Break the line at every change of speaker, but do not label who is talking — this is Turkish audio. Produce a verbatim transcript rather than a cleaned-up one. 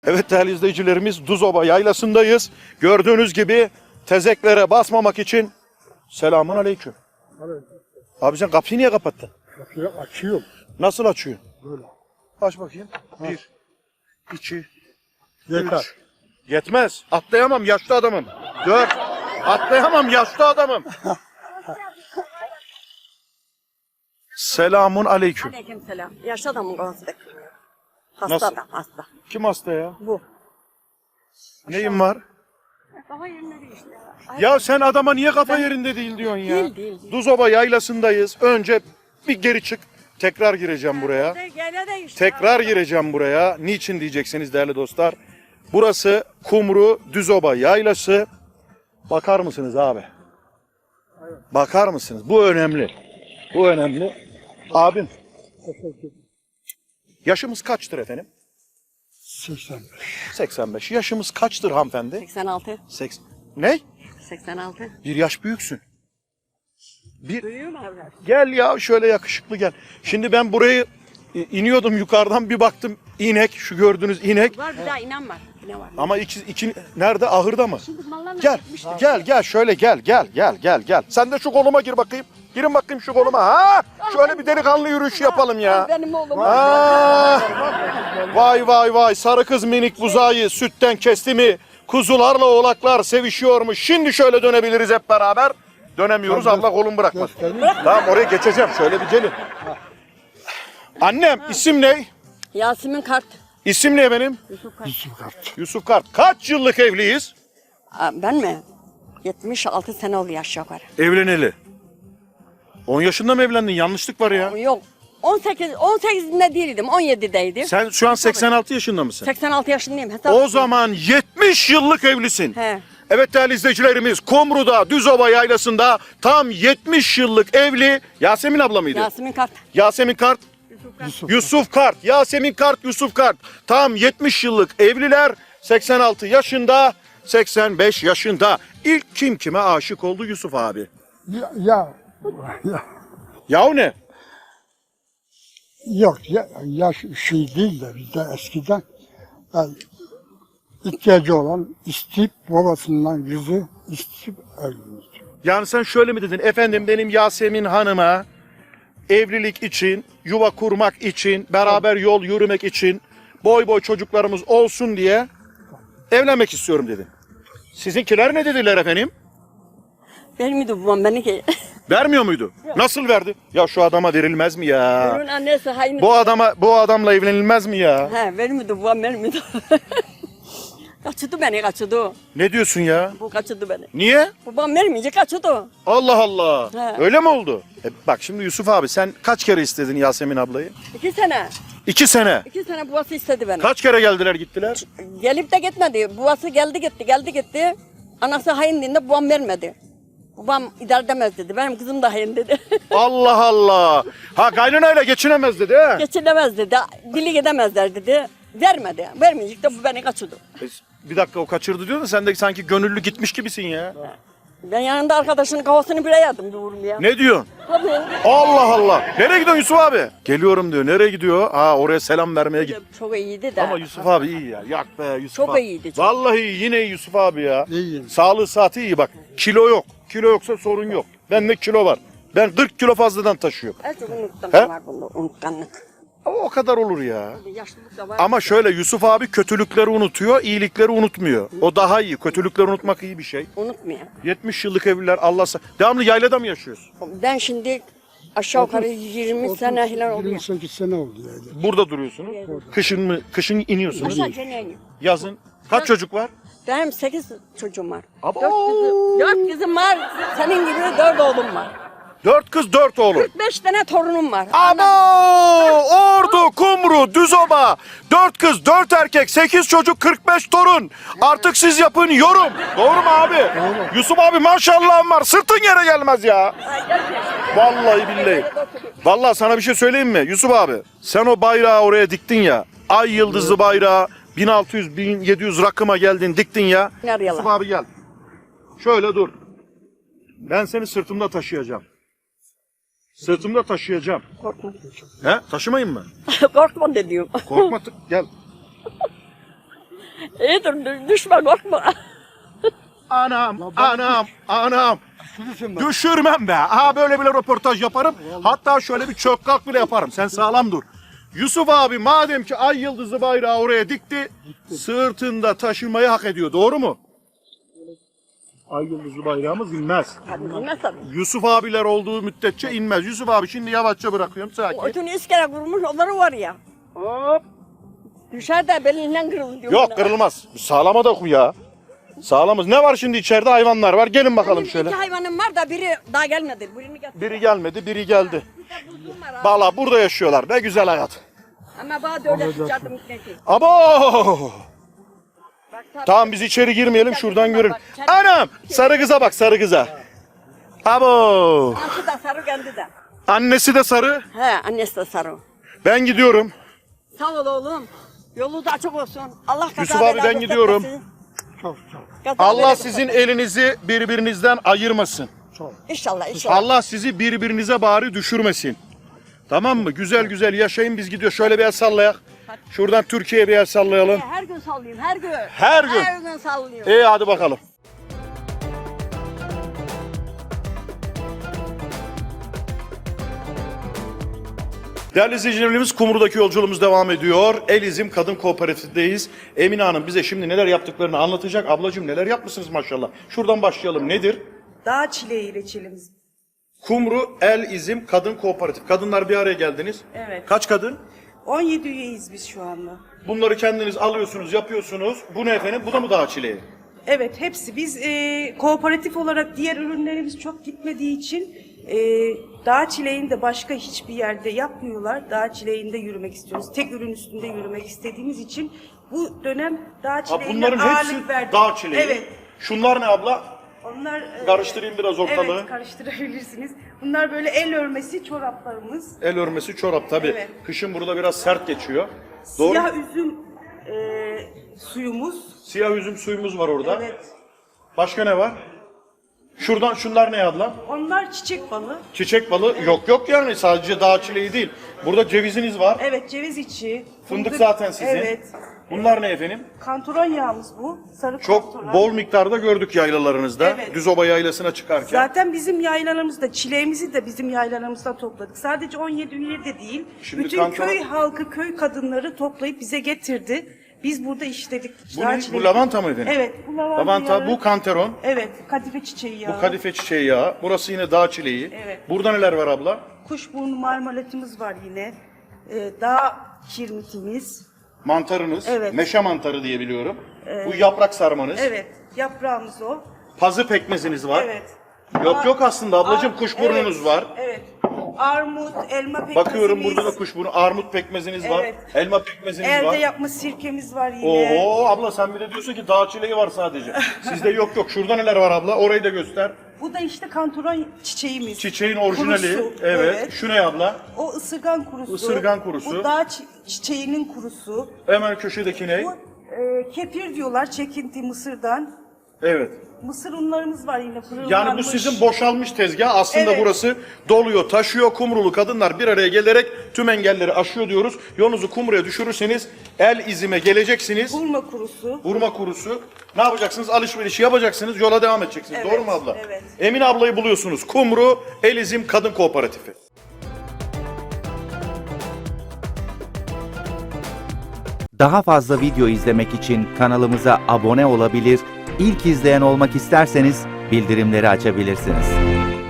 Evet değerli izleyicilerimiz, Duzoba yaylasındayız. Gördüğünüz gibi tezeklere basmamak için selamun aleyküm. Abi sen kapıyı niye kapattın?
Kapıyı açıyorum.
Nasıl açıyorsun?
Böyle.
Aç bakayım. Bir, iki,
Yeter.
üç. Yetmez. Atlayamam, yaşlı adamım. Dört. Atlayamam, yaşlı adamım. Selamun aleyküm.
Aleykümselam. Yaşlı adamın kovası. Hasta
Nasıl?
adam, hasta.
Kim hasta ya?
Bu.
Neyin var?
Baba yerine değil işte.
Ya sen adama niye kafa yerinde değil diyorsun ya?
Değil, değil, değil.
Duzoba yaylasındayız. Önce bir geri çık. Tekrar gireceğim buraya.
Gene de işte.
Tekrar gireceğim buraya. Niçin diyeceksiniz değerli dostlar. Burası Kumru Düzoba yaylası. Bakar mısınız abi? Bakar mısınız? Bu önemli. Bu önemli. Abim. Yaşımız kaçtır efendim?
seksen beş.
seksen beş. Yaşımız kaçtır hanımefendi?
seksen altı.
seksen. Ne?
seksen altı.
Bir yaş büyüksün. Bir
Duyuyor mu evlat?
Gel ya şöyle yakışıklı gel. Şimdi ben burayı e, iniyordum yukarıdan bir baktım inek, şu gördüğünüz inek.
Var bir daha inen var. Ne var?
Ama iki, iki nerede, ahırda mı?
Şimdi mallarla
Gel
gitmişler.
gel gel şöyle gel gel gel gel gel. Sen de şu koluma gir bakayım. Girin bakayım şu koluma. Ha? Şöyle bir delikanlı yürüyüş yapalım ya.
Benim oğlum.
Ha! Vay vay vay, sarı kız minik buzayı sütten kesti mi? Kuzularla oğlaklar sevişiyormuş. Şimdi şöyle dönebiliriz hep beraber. Dönemiyoruz, Allah kolum bırakmaz. Tamam, oraya geçeceğim, şöyle bir gelin. Annem, isim ne?
Yasemin Kart.
İsim ne benim?
Yusuf Kart.
Yusuf Kart.
Yusuf Kart. Kaç yıllık evliyiz?
Aa, ben mi? yetmiş altı sene oldu aşağı yukarı.
Evleneli. on yaşında mı evlendin? Yanlışlık var ya.
Yok. on sekiz, on sekizinde değildim. on yedideydim.
Sen şu an seksen altı yaşında mısın?
seksen altı yaşındayım. Hesap
O zaman yetmiş yıllık evlisin.
He.
Evet değerli izleyicilerimiz, Kumru'da, Düzoba yaylasında tam yetmiş yıllık evli Yasemin abla mıydı?
Yasemin Kart.
Yasemin Kart.
Yusuf.
Yusuf Kart. Yasemin Kart, Yusuf Kart. Tam yetmiş yıllık evliler, seksen altı yaşında, seksen beş yaşında. İlk kim kime aşık oldu? Yusuf abi.
Ya, ya, ya.
Yahu ne?
Yok ya, yaş şey değil de bizde eskiden yani, ihtiyacı olan isteyip babasından kızı isteyip evlenir.
Yani sen şöyle mi dedin? Efendim benim Yasemin Hanım'a evlilik için, yuva kurmak için, beraber yol yürümek için, boy boy çocuklarımız olsun diye evlenmek istiyorum dedin. Sizinkiler ne dediler efendim?
Vermiyordum babam beni ki.
Vermiyor muydu? Nasıl verdi? Ya şu adama verilmez mi ya?
Onun annesi hain.
Bu adama, bu adamla evlenilmez mi ya?
He vermiyordu babam vermiyordu. Kaçırdı beni kaçırdı.
Ne diyorsun ya?
Bu kaçırdı beni.
Niye?
Babam vermeyince kaçırdı.
Allah Allah.
He.
Öyle mi oldu? E bak şimdi Yusuf abi, sen kaç kere istedin Yasemin ablayı?
İki sene.
İki sene.
İki sene babası istedi beni.
Kaç kere geldiler gittiler?
Gelip de gitmedi. Babası geldi gitti geldi gitti. Anası hain dediğinde babam vermedi. Babam idare edemez dedi. Benim kızım da hain dedi.
Allah Allah. Ha kaynanayla geçinemez dedi ha.
Geçilemez dedi. Dili gidemezler dedi. Vermedi. Vermeyecek de bu beni kaçırdı.
E, Bir dakika, o kaçırdı diyor da sen de sanki gönüllü gitmiş gibisin ya.
Ben yanında arkadaşının kafasını bire yadım bir vurum ya.
Ne diyorsun?
Tabii.
Allah Allah. Nereye gidiyorsun Yusuf abi? Geliyorum diyor. Nereye gidiyor? Ha oraya selam vermeye git.
Çok iyiydi de.
Ama Yusuf abi iyi ya. Yak be Yusuf
Çok
abi.
iyiydi, çok.
Vallahi yine Yusuf abi ya.
İyi.
Sağlığı saati iyi bak. Kilo yok. Kilo yoksa sorun yok. Bende kilo var. Ben kırk kilo fazladan taşıyorum.
En çok unuttum
He?
var bunda unutkanlık.
Ama o kadar olur ya.
Yaşlılık da var.
Ama şöyle, Yusuf abi kötülükleri unutuyor, iyilikleri unutmuyor. O daha iyi. Kötülükleri unutmak iyi bir şey.
Unutmuyor.
yetmiş yıllık evliler, Allah sa- devamlı yaylada mı yaşıyorsun?
Ben şimdi aşağı yukarı yirmi sene falan oluyor.
yirmi sekiz sene oldu yani.
Burada duruyorsunuz. Kışın mı? Kışın iniyorsunuz.
Aşağı ceneye iniyor.
Yazın. Kaç çocuk var?
Benim sekiz çocuğum var.
Abo!
Dört kızım, dört kızım var. Senin gibi dört oğlum var.
Dört kız, dört oğlum.
Beş tane torunum var.
Abo! Ordu, Kumru, Düzoba. Dört kız, dört erkek, sekiz çocuk, kırk beş torun. Artık siz yapın yorum. Doğru mu abi? Yusuf abi maşallahın var. Sırtın yere gelmez ya. Vallahi billahi. Vallahi sana bir şey söyleyeyim mi Yusuf abi? Sen o bayrağı oraya diktin ya. Ay yıldızlı bayrağı. bin altı yüz bin yedi yüz rakıma geldin, diktin ya.
Nereye
Yusuf
lan?
abi gel. Şöyle dur. Ben seni sırtımda taşıyacağım. Sırtımda taşıyacağım.
Korkma.
He? Taşımayın mı?
Korkma de diyorum.
Korkma, t- gel.
İyidir dü- düşme korkma.
Anam, anam, anam.
Düşürürsün ben.
Düşürmem be. Aha böyle bile röportaj yaparım. Hatta şöyle bir çök kalk bile yaparım. Sen sağlam dur. Yusuf abi madem ki ay yıldızı bayrağı oraya dikti, sırtında taşımayı hak ediyor. Doğru mu? Ay yıldızı bayrağımız inmez.
Hadi bilmez tabii.
Yusuf abiler olduğu müddetçe inmez. Yusuf abi şimdi yavaşça bırakıyorum
O
sakin.
ötünü iskele kurmuş onları var ya.
Hop.
Düşer de belinden kırılır diyor.
Yok
bana.
kırılmaz. Sağlama da ya. Sağlamız. Ne var şimdi içeride? Hayvanlar var. Gelin bakalım
Benim
şöyle.
iki hayvanım var da biri daha gelmedi. Birini getir.
Biri gelmedi, biri geldi.
Bir de buzluğum var abi.
Valla burada yaşıyorlar. Ne güzel hayat.
Ama bana da öyle sıçradım gitmeki.
Abo!
Bak tabii.
Tamam biz içeri girmeyelim şuradan görelim. Anam! Sarı kıza bak sarı kıza. Abo!
Anası da sarı kendi de.
Annesi de sarı.
He annesi de sarı.
Ben gidiyorum.
Sağ ol oğlum. Yolu da açık olsun. Allah kaza
Yusuf abi,
bela
ben gidiyorum.
göstermesin.
Çok çok
Kaza
Allah
bela
sizin
göstermesin.
elinizi birbirinizden ayırmasın.
çok.
İnşallah inşallah.
Allah sizi birbirinize bari düşürmesin. Tamam mı? Güzel güzel yaşayın biz gidiyor. Şöyle bir el sallayak. Şuradan Türkiye'ye bir el sallayalım.
Her gün sallayayım her gün.
Her gün.
Her gün sallıyorum.
İyi hadi bakalım. Değerli izleyicilerimiz Kumru'daki yolculuğumuz devam ediyor. Elizim Kadın Kooperatifindeyiz. Emine Hanım bize şimdi neler yaptıklarını anlatacak. Ablacığım neler yapmışsınız maşallah. Şuradan başlayalım. Nedir?
Dağ çileği reçelimiz.
Kumru El İzim Kadın Kooperatif. Kadınlar bir araya geldiniz.
Evet.
Kaç kadın?
on yedi üyeyiz biz şu anda.
Bunları kendiniz alıyorsunuz, yapıyorsunuz. Bu ne efendim? Bu da mı dağ çileği?
Evet, hepsi. Biz e, kooperatif olarak diğer ürünlerimiz çok gitmediği için e, dağ çileğini de başka hiçbir yerde yapmıyorlar. Dağ çileğinde yürümek istiyoruz. Tek ürün üstünde yürümek istediğimiz için bu dönem dağ
Ha,
çileğine
bunların
ağırlık
hepsi
verdik.
dağ çileği.
Evet.
Şunlar ne abla?
Onlar e,
Karıştırayım biraz ortalığı.
Evet, karıştırabilirsiniz. Bunlar böyle el örmesi çoraplarımız.
El örmesi çorap tabii.
Evet.
Kışın burada biraz sert geçiyor. Doğru.
Siyah üzüm e, suyumuz.
Siyah üzüm suyumuz var orada.
Evet.
Başka ne var? Şuradan şunlar ne abla?
Onlar çiçek balı.
Çiçek balı. Yok yok yani sadece dağ çileği değil. Burada ceviziniz var.
Evet, ceviz içi.
Fındık zaten sizin.
Evet.
Bunlar ne efendim?
Kantaron yağımız bu. Sarı
Çok
kantaron.
bol miktarda gördük yaylalarınızda.
Evet.
Düzoba yaylasına çıkarken.
Zaten bizim yaylalarımızda, çileğimizi de bizim yaylalarımızdan topladık. Sadece on yedi üye de değil.
Şimdi
bütün
kantaron-
köy halkı, köy kadınları toplayıp bize getirdi. Biz burada işledik.
Bu
Dağ
ne?
çileği.
Bu lavanta mı efendim?
Evet, bu lavanta,
Lavanta,
yağı.
bu kantaron.
Evet, kadife çiçeği yağı.
Bu kadife çiçeği yağı. Burası yine dağ çileği.
Evet.
Burada neler var abla?
Kuşburnu marmelatımız var yine. Ee, dağ kirmitimiz.
Mantarınız.
Evet.
Meşe mantarı diye biliyorum. Bu yaprak sarmanız.
Evet, yaprağımız o.
Pazı pekmeziniz var.
Evet.
Yok
Ar-
yok aslında ablacığım
ar-
kuşburnunuz
evet,
var.
Evet. Armut, elma pekmezimiz.
Bakıyorum burada da kuşburnu, armut pekmeziniz var.
Evet.
Elma pekmeziniz
Elde
var.
yapma sirkemiz var yine.
Oo abla sen bir de diyorsun ki dağ çileği var sadece. Sizde yok yok. Şurada neler var abla? Orayı da göster.
Bu da işte kantaron çiçeğimiz.
Çiçeğin orijinali.
Kurusu,
Evet.
evet.
Şu ne abla?
O ısırgan kurusu.
Isırgan kurusu.
Bu dağ çi- çiçeğinin kurusu.
Hemen köşedeki ne?
Bu e, kefir diyorlar çekinti mısırdan.
Evet.
Mısır unlarımız var yine fırınlanmış.
Yani bu sizin boşalmış tezgah. Aslında
Evet.
burası doluyor, taşıyor. Kumrulu kadınlar bir araya gelerek tüm engelleri aşıyor diyoruz. Yolunuzu Kumru'ya düşürürseniz El İzim'e geleceksiniz.
Hurma kurusu.
Vurma kurusu. Ne yapacaksınız? Alışverişi yapacaksınız. Yola devam edeceksiniz.
Evet,
Doğru mu abla?
evet.
Emine ablayı buluyorsunuz. Kumru El İzim Kadın Kooperatifi.
Daha fazla video izlemek için kanalımıza abone olabilir, ilk izleyen olmak isterseniz bildirimleri açabilirsiniz.